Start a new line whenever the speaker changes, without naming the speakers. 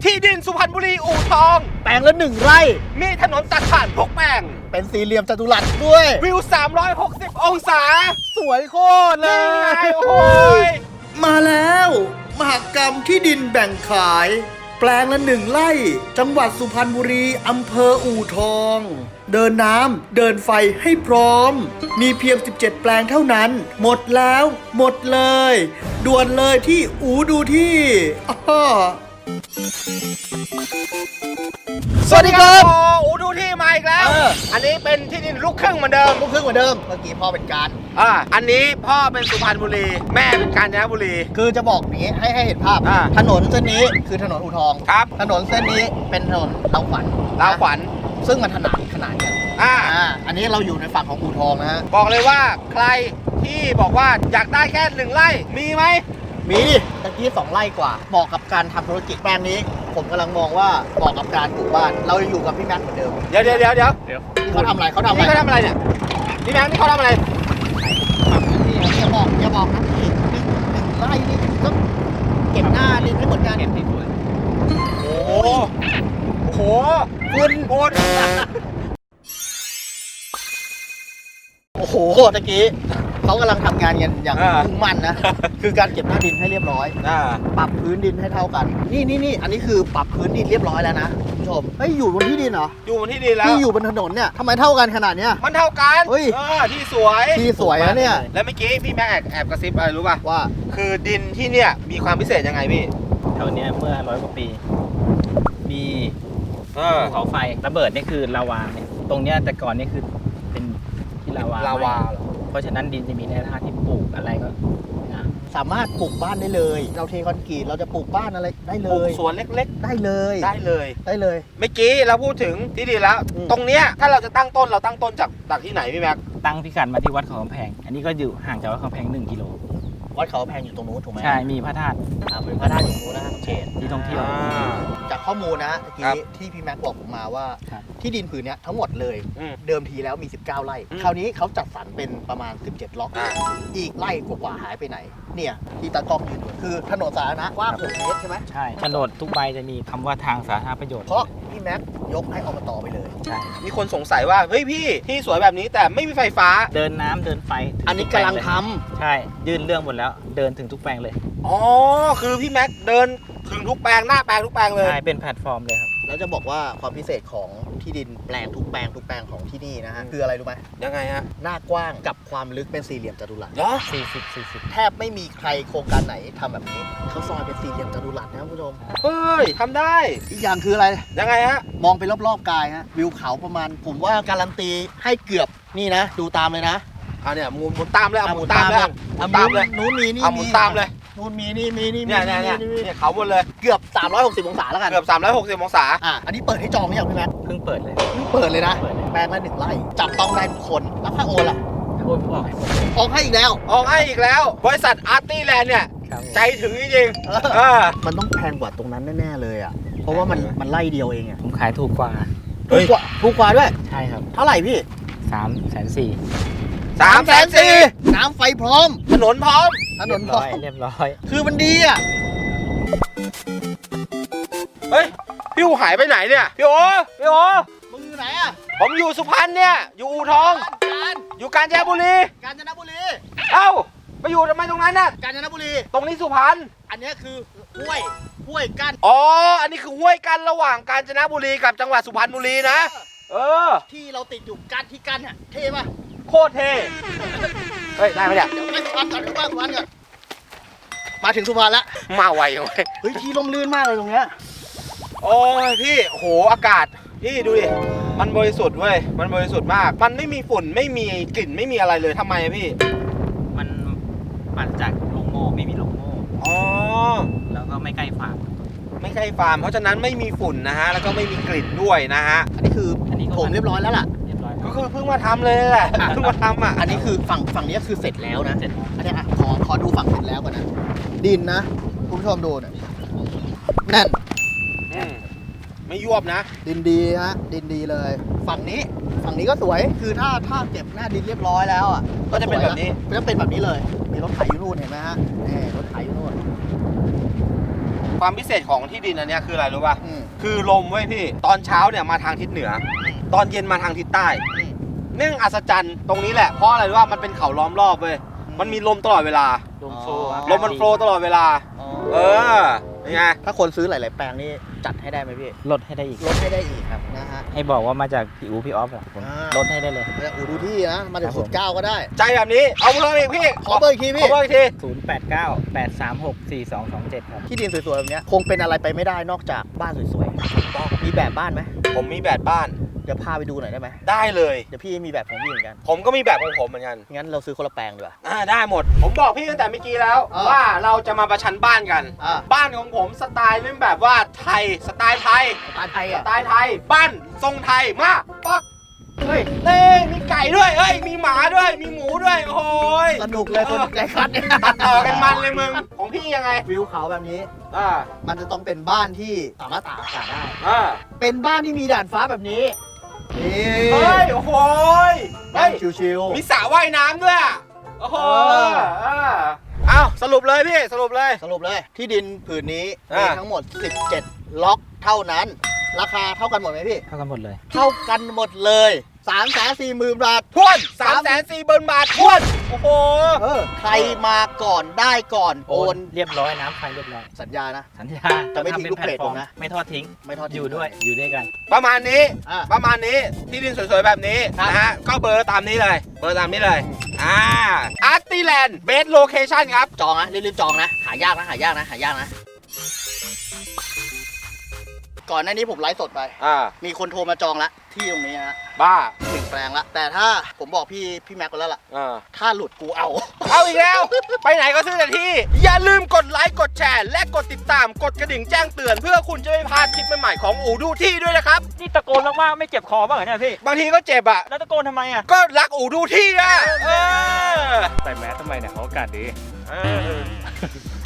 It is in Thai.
ที่ดินสุพรรณบุรีอู่ทอง
แปลงละ1 ไร่
มีถนนตัดผ่านทุกแปลง
เป็นสี่เหลี่ยมจัตุรัสด้วย
วิว 360 องศา
สวยโคตรเล
นี่ไง
ย
โอ้ย
มาแล้วมหกรรมที่ดินแบ่งขาย แปลงละ1 ไร่ จังหวัดสุพรรณบุรีอำเภออู่ทอง เดินน้ำเดินไฟให้พร้อม มีเพียง 17 แปลงเท่านั้น หมดแล้ว หมดเลย ด่วนเลยที่อูดูที่อ้อสวัสดีครับ
โอ้อูดูที่มาอีกแล้ว อันนี้เป็นที่ดินลูกครึ่งเหมือนเดิม
ลูกครึ่งเหมือนเดิม เมื่อกี้พ่อเป็นการ
อันนี้พ่อเป็นสุพรรณบุรี แม่เป็นกาญจนบุรี
คือจะบอกอย่างนี้ให้เห็นภาพ ถนนเส้นนี้คือถนนอู่ทอง
ครับ
ถนนเส้นนี้เป็นถนนลาวขวัญ
ลาวขวัญ
ซึ่งมันขนานกัน อันนี้เราอยู่ในฝั่งของอู่ทองนะฮะ
บอกเลยว่าใครที่บอกว่าอยากได้แค่1 ไร่ มีไหม
มีดิตะกี้2 ไร่กว่าเหมาะกับการทำธุรกิจแปลงนี้ ผมกำลังมองว่าเหมาะกับการปลูกบ้าน เราอยู่กับพี่แม็กซ์เหมือนเดิม
เดี๋ยว
นี่เขาทำอะไร
นี่เขาทำอะไรเนี่ยพี่แบงค์นี่เขาทำอะไร
อย่าบอกนะพี่หนึ่งไร่นี่ต้องเก็บหน้าดินให้เหมือนกันเก็บให้ด้วย
โอ้โหโอ้โหคุณโอน
โอ้โหตะกี้เขากำลังทำงานกันอย่างมุ่งมั่นนะ คือการเก็บหน้าดินให้เรียบร้อย ปรับพื้นดินให้เท่ากัน นี่อันนี้คือปรับพื้นดินเรียบร้อยแล้วนะคุณผู้ชมเฮ้ยอยู่บนที่ดินเหรอ
อยู่บนที่ดินแล้ว
ที่อยู่บนถนนเนี่ยทำไมเท่ากันขนาดเนี้ย
มันเท่ากัน
เฮ้ย
ที่สวย
ที่สวยนะเนี่ย
แล้วเมื่อกี้พี่แม่แอบกระซิบอะไรรู้ป่ะ
ว่า
คือดินที่เนี่ยมีความพิเศษยังไงพี่
แถวเนี้ยเมื่อ100 กว่าปี มี
เออ
ภูเขาไฟระเบิดนี่คือลาวาเนี่ยตรงเนี้ยแต่ก่อนนี่คือเป็นที่ลาวา
ลาวา
ไหม้เพราะฉะนั้นดินจะมีแร่ธาตุที่ปลูกอะไรก็งาม
สามารถปลูกบ้านได้เลย เราเทคอนกรีตเราจะปลูกบ้านอะไรได้เล
ปลูก
ย
สวนเล็ก
ได้เลย
ๆ ได้เลย
ได้เลย
เมื่อกี้เราพูดถึงที่ดินแล้ว
อืม
ตรงเนี้ยถ้าเราจะตั้งต้นเราตั้งต้นจากที่ไหนพี่แม็ก
ตั้งพิกัดมาที่วัดเขากำแพง อันนี้ก็อยู่ห่างจากวัดเขากำแพง1 กิโล
วัดเขาแพงอยู่ตรงนู้นถูกไหม
ใช่ มีพระธาตุ
เป็นพระธาตุอยู่ตรงนู้นนะเขต
ที่ท่องเที่ยว
จากข้อมูลนะเมื่อ
ครั
กี้
บ
ที่พี่แม็กบอกผมมาว่า
ครับ
ที่ดินผืนเนี้ยทั้งหมดเลย
อืม
เดิมทีแล้วมี 19 ไร่
อืม
คราวนี้เขาจัดสรรเป็นประมาณ 17 ล็อก
อ่า
อีกไร่กว่าๆหายไปไหน เนี่ยที่ตากล้องยืนอยู่คือถนนสาธารณะกว้าง6 เมตรใช่ไหม
ใช่โฉนดทุกใบจะมีคำว่าทางสาธารณประโยชน์
เพราะพี่แม็กยกให้อบตไปเลย
ใช่
มีคนสงสัยว่าเฮ้ยพี่ที่สวยแบบนี้แต่ไม่มีไฟฟ้า
เดินน้ำเดินไฟถึ
อันนี้
ทุแป
กำลัง
เย
ทำ
ใช่ ยื่นเรื่องหมดแล้ว เดินถึงทุกแปลงเลย
อ๋อ คือพี่แม็กเดินถึงทุกแปลงหน้าแปลงทุกแปลงเลย
ใช่ เป็นแพลตฟอร์มเลยครับ
แล้วจะบอกว่าความพิเศษของที่ดินแปลงทุกแปลงของที่นี่นะฮะคืออะไรรู้ไหม
ยังไงฮะ
หน้ากว้างกับความลึกเป็นสี่เหลี่ยมจัตุรัส
เหรอ
แทบไม่มีใครโครงการไหนทำแบบนี้เขาซอยเป็นสี่เหลี่ยมจัตุรัสนะครับคุณผู้ชม
เฮ้ยทำได้
อีกอย่างคืออะไร
ยังไงฮะ
มองไปรอบๆกายฮะวิวเขาประมาณ ผมว่าการันตีให้เกือบนี่นะ ดูตามเลยนะ
เนี่ยหมุนตามเลยหมุนตามเลยหมุนตามเลย
นู้นมีนี่
หมุนตามเลย
นู้นมีนี่มีนี่
เนี่ยเขาหมดเลย
เกือบ360องศาแล้วกัน
เกือบ360 องศา
อันนี้เปิดให้จองหรือยังพี่แม็ก
เพิ่งเปิดเลย
เพิ่งเปิดเลยนะ
เปิดเลย
แปลงละ1 ไร่จับต้องได้ทุกคนแล้วค่าโอนล่ะ
โอนออกให้หมดเลย
ออกให้อีกแล้ว
ออกให้อีกแล้ว บริษัทอาร์ตี้แลนด์เนี่ย
ครับผม
ใจถึงจริงๆ
มันต้องแพงกว่าตรงนั้นแน่ๆเลยอ่ะเพราะว่ามันไร่เดียวเองอ่ะ
ผมขายถูกกว่า
เฮ้ย
ถูกกว่าด้วย
ใช่ครับ
เท่าไหร่พี่
340,000
340,000
น้ำไฟพร้อม
ถนนพร้อม
ถนนพร้อม
เรียบร้อย
คือมันดีอ่ะ
เฮ้ย พี่อูหายไปไหนเนี่ย พี่โอ
มึงอยู่ไหนอ่ะ
ผมอยู่สุพรรณเนี่ย อยู่อู่ทอง อยู่กาญจนบุรี
กาญจนบุรี
เอ้าไปอยู่ทำไมตรงนั้นน่ะ
กาญจนบุรี
ตรงนี้สุพรรณ
อันเนี้ยคือห้วยกั้น
อ๋อ อันนี้คือห้วยกั้นระหว่างกาญจนบุรีกับจังหวัดสุพรรณบุรีนะ เออ
ที่เราติดอยู่กั้นที่กั้นอ่ะเท่ป่ะ
โคตรเท่ เฮ้ย ได้ไหมเนี่ย
เดี๋ยวไปสุพรรณก่อนสุพรรณก่อนมาถึงสุพรรณละ
มาไวจังเลย
เฮ้ยที่ร่มรื่นมากเลยตรงเนี้ย
โอ้ยพี่โหอากาศ พี่ดูดิ มันบริสุทธิ์เว้ย มันบริสุทธิ์มาก มันไม่มีฝุ่น ไม่มีกลิ่น ไม่มีอะไรเลยทำไมอะพี่
มันปัดจากโรงโม่ไม่มีโรงโม่
อ๋อ
แล้วก็ไม่ใกล้ฟาร์ม
ไม่ใช่ฟาร์ม เพราะฉะนั้นไม่มีฝุ่นนะฮะ แล้วก็ไม่มีกลิ่นด้วยนะฮะ
อันนี้คือ
อันนี้ก็
ผมเรียบร้อยแล้วล่ะ
เรียบร้อย
ก็คือเพิ่งมาทำเลยแหละ เพิ่งมาทำอ่ะ
อันนี้คือฝั่งนี้คือเสร็จแล้วนะ
เสร็จ
อันเนี้ยอ่ะขอดูฝั่งเสร็จแล้วก่อนนะ ดินนะคุณผู้ชมดูเนี่ยแน่น
ไม่ยวบนะ
ดินดีฮะดินดีเลย ฝั่งนี้ก็สวยคือถ้าเก็บหน้าดินเรียบร้อยแล้วอ่ะ
ก็จะเป็นแบบนี้
ก็จะเป็นแบบนี้เลย มีรถไถอยู่นู่นเห็นไหมฮะนี่รถไถอยู่นู่น
ความพิเศษของที่ดินอันเนี้ยคืออะไรรู้ป่ะ
อืม
คือลมเว้ยพี่ ตอนเช้าเนี่ยมาทางทิศเหนือ ตอนเย็นมาทางทิศใต้เนื่องอัศจรรย์ตรงนี้แหละ เพราะอะไรรู้ป่ะมันเป็นเขาล้อมรอบเว้ย มันมีลมตลอดเวลา
ลมโฟล์ครับ
ลมมันโฟลว์ตลอดเวลา เออนี่ไง
ถ้าคนซื้อหลาย ๆ แปลงนี่จัดให้ได้ไหมพี่
ลดให้ได้อีก
ลดให้ได้อีกครับนะฮะ
ให้บอกว่ามาจากพี่อูพี่ออฟอะผม
อ่า
ลดให้ได้เลย
อูดูที่นะ มาถึ
ครั
ง
บผม
สุดเก้าก็ได้
ใจแบบนี้ เอาเบอร์อีกพี่
ขอเบอร์อีกทีพี่
ขอเบอร์อีกที
0898364227 ครับ
ที่ดินสวย ๆ แบบเนี้ยคงเป็นอะไรไปไม่ได้นอกจากบ้านสวย ๆ มีแบบบ้านไหม
ผมมีแบบบ้าน
เดี๋ยวพาไปดูหน่อยได้ไหม
ได้เลย
เดี๋ยวพี่มีแบบของพี่เหมือนกัน
ผมก็มีแบบของผมเหมือนกัน
งั้นเราซื้อคนละแปลงดีกว่า
ได้หมด ผมบอกพี่ตั้งแต่เมื่อกี้แล้ว ว่าเราจะมาประชันบ้านกัน บ้านของผมสไตล์เป็นแบบว่าไทย สไตล์ไทย
สไตล์ไทย
ส
อ่ะ
ไตล์ไทย บ้านทรงไทย มาปัก
เฮ้ย
เต้มีไก่ด้วย เฮ้ย มีหมาด้วย มีหมูด้วย โอ้ย
สนุกเลยคนใจคัดเนี่ย
ตัดต่อกันมันเลยมึง ของพี่ยังไง
วิวเขาแบบนี้
อ่า
มันจะต้องเป็นบ้านที่สามารถตากอากาศได้
อ่า
เป็นบ้านที่มีด่านฟ้าแบบนี้นี่
เฮ้ย โอ้โหย
บ้า
เฮ้
น
ย
ชิว
มีสระว่ายน้ำด้วยอะโอ้โหอ้าวสรุปเลยพี่ สรุปเลย
ๆสรุปเลย ที่ดินผืนนี้
อ่ามี
มีทั้งหมด 17 ล็อกเท่านั้น ราคาเท่ากันหมดไหมพี่
เท่ากันหมดเลย
เท่ากันหมดเลย 340,000 บาท
ทวน340,000 บาททวน โอ้โห
ใครมาก่อนได้ก่อนโอน
เรียบร้อยน้ำไฟเรียบร้อย
สัญญานะ
สัญญา
จะไม่ทิ้งลูกเพจผมนะ
ไม่ทอดทิ้ง
ไม่ทอดทิ้ง
อยู่ด้วย อยู่ด้วยกัน
ประมาณนี้
อ่ะ
ประมาณนี้ ที่ดินสวยๆ แบบนี้
ครับ
นะฮะ ก็เบอร์ตามนี้เลย เบอร์ตามนี้เลย อาร์ตี้แลนด์เบสโลเคชั่นครับ
จองนะรีบๆจองนะ หายากนะ หายากนะ หายากนะ ก่อนหน้านี้ผมไลฟ์สดไป มีคนโทรมาจองละที่ตรงนี้ฮะ
บ้า
1 แปลงละ แต่ถ้าผมบอกพี่แม็กซ์ไปแล้วล่ะ ถ้าหลุดกูเอา
เอาอีกแล้ว ไปไหนก็ซื้อแต่ที่ อย่าลืมกดไลค์ กดแชร์ และกดติดตาม กดกระดิ่งแจ้งเตือน เพื่อคุณจะไม่พลาดคลิปใหม่ๆของอูดูที่ด้วยนะครับ
นี่ตะโกนมากๆไม่เจ็บคอบ้างเหรอเนี่ยพี่
บางทีก็เจ็บอ่ะ
แล้วตะโกนทำไมอ่ะ
ก็รักอูดูที่อ่ะ
ใส่แมสทำไมเนี่ยเขาอากาศดี
เออ